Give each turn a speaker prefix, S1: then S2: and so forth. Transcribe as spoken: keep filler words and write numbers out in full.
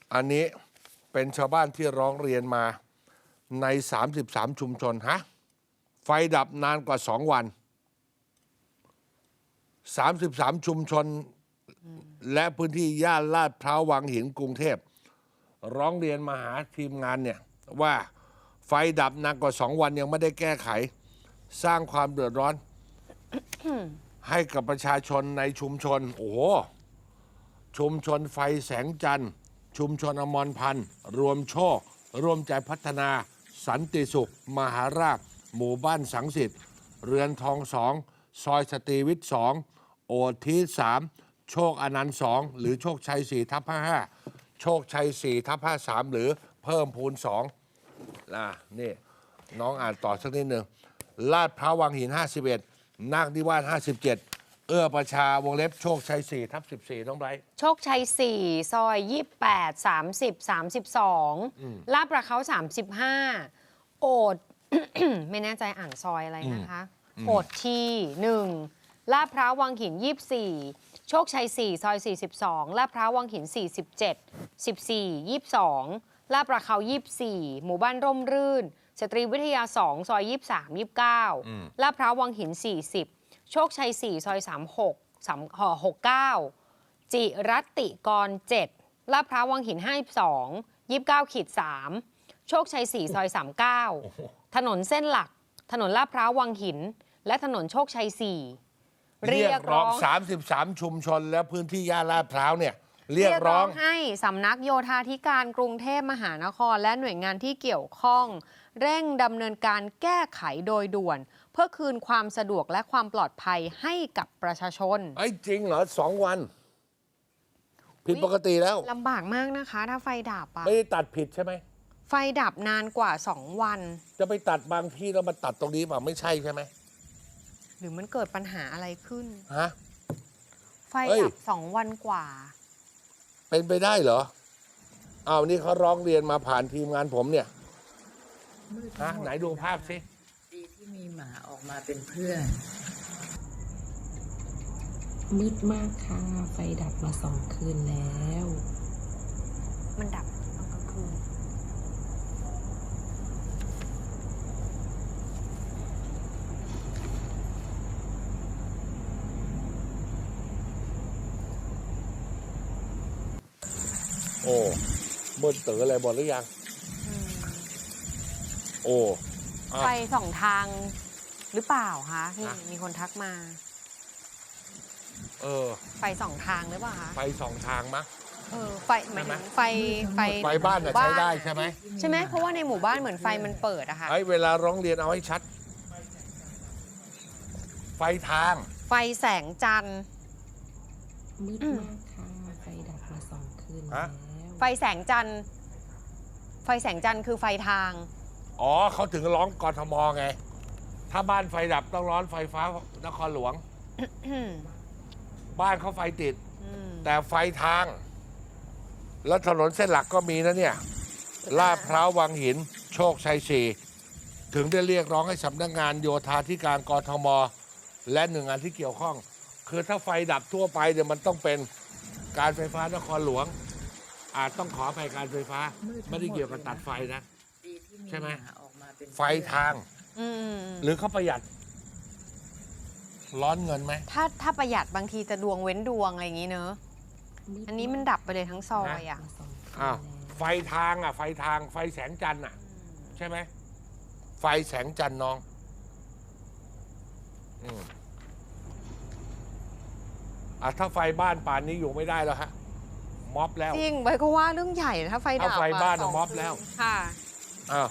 S1: อันนี้เป็นชาวบ้านที่ร้องเรียนมาในสามสิบสามชุมชนฮะไฟดับนานกว่าสองวันสามสิบสามชุมชนและพื้นที่ย่านลาดพร้าววังหินกรุงเทพร้องเรียนมาหาทีมงานเนี่ยว่าไฟดับนานกว่าสองวันยังไม่ได้แก้ไขสร้างความเดือดร้อน ให้กับประชาชนในชุมชนโอ้โหชุมชนไฟแสงจันทร์ชุมชนอมรพันธ์รวมโชคร่วมใจพัฒนาสันติสุขมหาราชหมู่บ้านสังสิทธิ์เรือนทองสองซอยสตรีวิทย์สองโอทีสามโชคอนันต์สองหรือโชคชัยสี่ทับห้าห้าโชคชัยสี่ทับห้าสามหรือเพิ่มพูนสองนะนี่น้องอ่านต่อสักนิดหนึ่งลาดพร้าววังหินห้าสิบเอ็ดนาคนิวาสห้าสิบเจ็ดเอื้อประชาวงเล็บโชคชัยสี่ทับสิบสี่น้องไบรท์
S2: โชคชัยสี่ซอยยี่สิบแปด สามสิบ สามสิบสองลาดประเขาสามสิบห้าโอด ไม่แน่ใจอ่านซอยอะไรนะคะโอดทีหนึ่งลาดพร้าววังหินยี่สิบสี่โชคชัยสี่ซอยสี่สิบสองลาดพร้าววังหินสี่สิบเจ็ด สิบสี่ ยี่สิบสองลาดประเขายี่สิบสี่หมู่บ้านร่มรื่นสตรีวิทยาสองซอยยี่สิบสาม ยี่สิบเก้าลาดพร้าววังหินสี่สิบโชคชัยสี่ซอยสามหก สามหกเก้าจิรัตติกรเจ็ดลาดพร้าววังหินห้าสิบสอง ยี่สิบเก้าขีดสามโชคชัยสี่ซอยสามเก้าถนนเส้นหลักถนนลาดพร้าววังหินและถนนโชคชัยสี่
S1: เรียกร้องสามสิบสามชุมชนและพื้นที่ย่านลาดพร้าวเนี่ยเรียกร้อง
S2: ให้สำนักโยธาธิการกรุงเทพมหานครและหน่วยงานที่เกี่ยวข้องเร่งดำเนินการแก้ไขโดยด่วนเพื่อคืนความสะดวกและความปลอดภัยให้กับประชาชน
S1: ไอ้จริงเหรอสองวันผิดปกติแล้ว
S2: ลำบากมากนะคะถ้าไฟดับอะ
S1: ไม่ได้ตัดผิดใช่ไหม
S2: ไฟดับนานกว่าสองวัน
S1: จะไปตัดบางที่แล้วมาตัดตรงนี้เปล่าไม่ใช่ใช่ไหม
S2: หรือมันเกิดปัญหาอะไรขึ้น
S1: ฮะ
S2: ไฟดับสองวันกว่า
S1: เป็นไปได้เหรออ้าวนี่เขาร้องเรียนมาผ่านทีมงานผมเนี่ยฮะไหนดูภาพสิ
S3: ดีที่มีหมาออกมาเป็นเพื่อน
S4: มืดมากค่ะไฟดับมาสองคืนแล้ว
S2: มันดับตอนกลางคืน
S1: โอ้มืดเต๋ออะไรหมดหรือยังโอ้
S2: ไฟสองทางหรือเปล่าคะนี่มีคนทักมา
S1: เออ
S2: ไฟสองทางหรือเปล่าคะ
S1: ไฟสองทางมะ
S2: เออไฟหมายถึงไฟไฟ
S1: ไฟบ้านใช้ได้ใช่ไหม
S2: ใช่ไหมเพราะว่าในหมู่บ้านเหมือนไฟมันเปิดอะค่ะ
S1: ไอ้เวลาร้องเรียนเอาให้ชัดไฟทาง
S2: ไฟแสงจันทร์
S4: มืดมากค่ะไฟดับมาสองคืนแล้ว
S2: ไฟแสงจันทร์ไฟแสงจันทร์คือไฟทาง
S1: อ๋อเขาถึงร้องกทมไงถ้าบ้านไฟดับต้องร้อนไฟฟ้านครหลวงบ้านเขาไฟติดแต่ไฟทางแล้วถนนเส้นหลักก็มีนะเนี่ยลาดพร้าววังหินโชคชัยสี่ถึงได้เรียกร้องให้สำนักงานโยธาธิการกทมและหน่วยงานที่เกี่ยวข้องคือถ้าไฟดับทั่วไปเดี๋ยวมันต้องเป็นการไฟฟ้านครหลวงอาจต้องขออภัยการไฟฟ้าไม่ได้เกี่ยวกับตัดไฟนะใช่ไหมไฟทางหรือเขาประหยัดร้อนเงินไหม
S2: ถ้าถ้าประหยัดบางทีจะดวงเว้นดวงอะไรอย่างนี้เนอะอันนี้มันดับไปเลยทั้งซอยอ่ะ
S1: อ้าวไฟทางอ่ะไฟทางไฟแสงจันทร์อ่ะใช่ไหมไฟแสงจันทร์น้องอืมอ่ะถ้าไฟบ้านป่านนี้อยู่ไม่ได้แล้วฮะม็อบแล้ว
S2: จริงไปก็ว่าเรื่องใหญ่ถ้าไฟดับ
S1: ถ้าไฟบ้านม็อบแล้ว
S2: ค่ะ